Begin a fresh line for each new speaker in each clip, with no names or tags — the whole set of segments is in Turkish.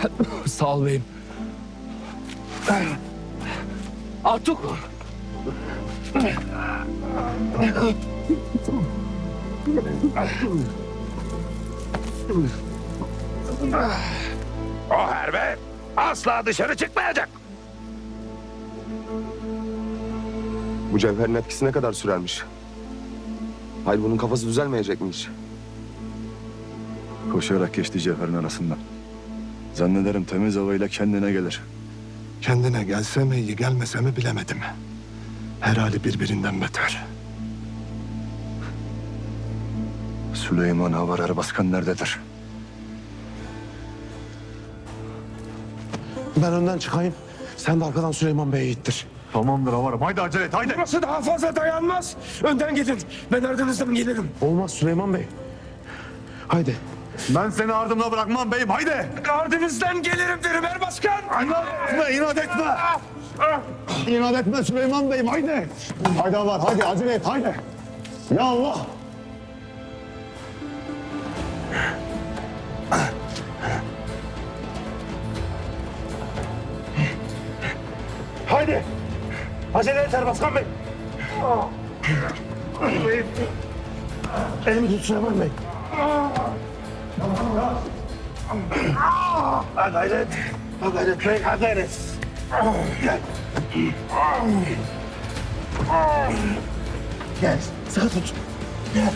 Sağ ol beyim. Artuk!
O herbe asla dışarı çıkmayacak.
Bu cevherin etkisi ne kadar sürermiş? Hayır, bunun kafası düzelmeyecek mi hiç?
Koşarak geçti cevherin arasından. Zannederim temiz havayla kendine gelir.
Kendine gelse mi iyi gelmese mi bilemedim. Her hali birbirinden beter.
Süleyman Havar Erbaskan nerededir?
Ben önden çıkayım. Sen de arkadan Süleyman Bey'i ittir.
Tamamdır Havar'ım. Haydi acele et haydi.
Burası daha fazla dayanmaz. Önden gidin. Ben ardınızdan gelirim. Olmaz Süleyman Bey. Haydi.
Ben seni ardımda bırakmam beyim haydi.
Ardınızdan gelirim derim Erbaskan.
İnat etme. İnat etme Süleyman Bey'im haydi. Haydi Havar haydi acele et haydi. Ya Allah.
Haydi. Acele et Erbaskan Bey. Elimi tut Süleyman Bey. Ha gayret. Ha gayret Bey, ha gayret. Gel. Gel, sıkı tut. Gel.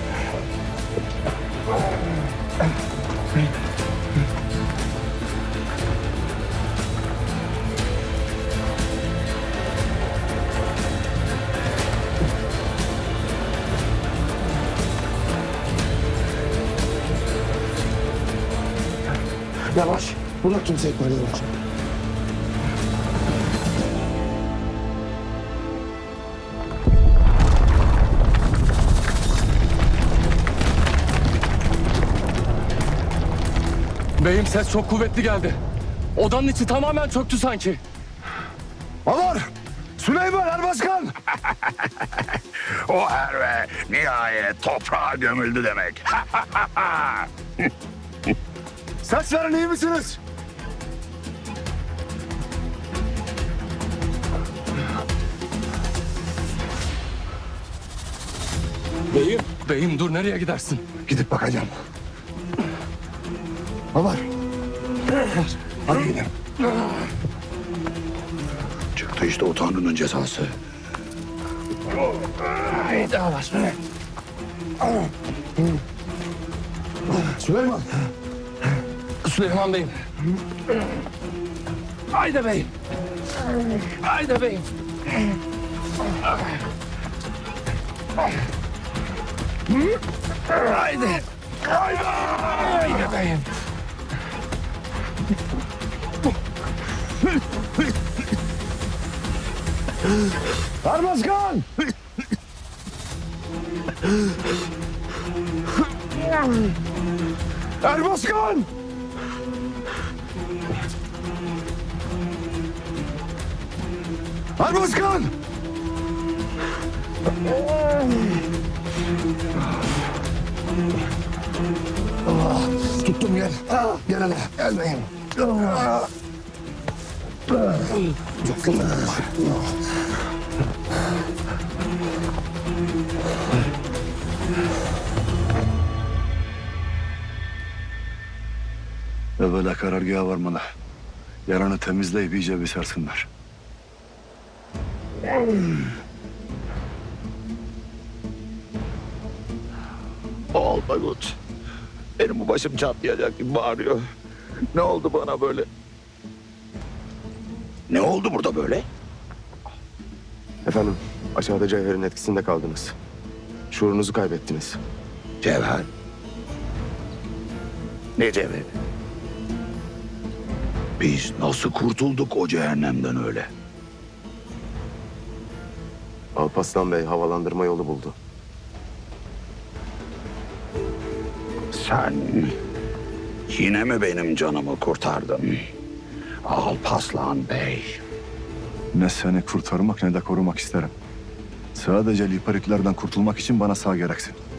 Yavaş. Bırak kimseyi böyle yavaş.
Beyim ses çok kuvvetli geldi. Odanın içi tamamen çöktü sanki.
Havar. Süleyman Erbaskan.
O herbe nihayet toprağa gömüldü demek.
Ses verin iyi misiniz?
Beyim dur nereye gidersin?
Gidip bakacağım. Havar. Hadi gidelim.
Çıktı işte o Tanrı'nın cezası.
Haydi yavaş be.
Süleyman.
Süleyman Bey'im. Haydi beyim. Haydi beyim. Haydi. Haydi beyim.
Erbaskan. Erbaskan. Erbaskan.
Tuttum gel. Gel hele. Gel beyim.
Evvela karargaha varmalı. Yaranı temizleyip iyice bir sarsınlar.
Olmagut. Benim bu başım çatlayacak gibi bağırıyor. Ne oldu bana böyle? Ne oldu burada böyle?
Efendim, aşağıda cevherin etkisinde kaldınız. Şuurunuzu kaybettiniz.
Cevher. Ne cevheri? Biz nasıl kurtulduk o cehennemden öyle?
Alparslan Bey havalandırma yolu buldu.
Sen yine mi benim canımı kurtardın? Alparslan Bey.
Ne seni kurtarmak ne de korumak isterim. Sadece lipariklerden kurtulmak için bana sağ gereksin.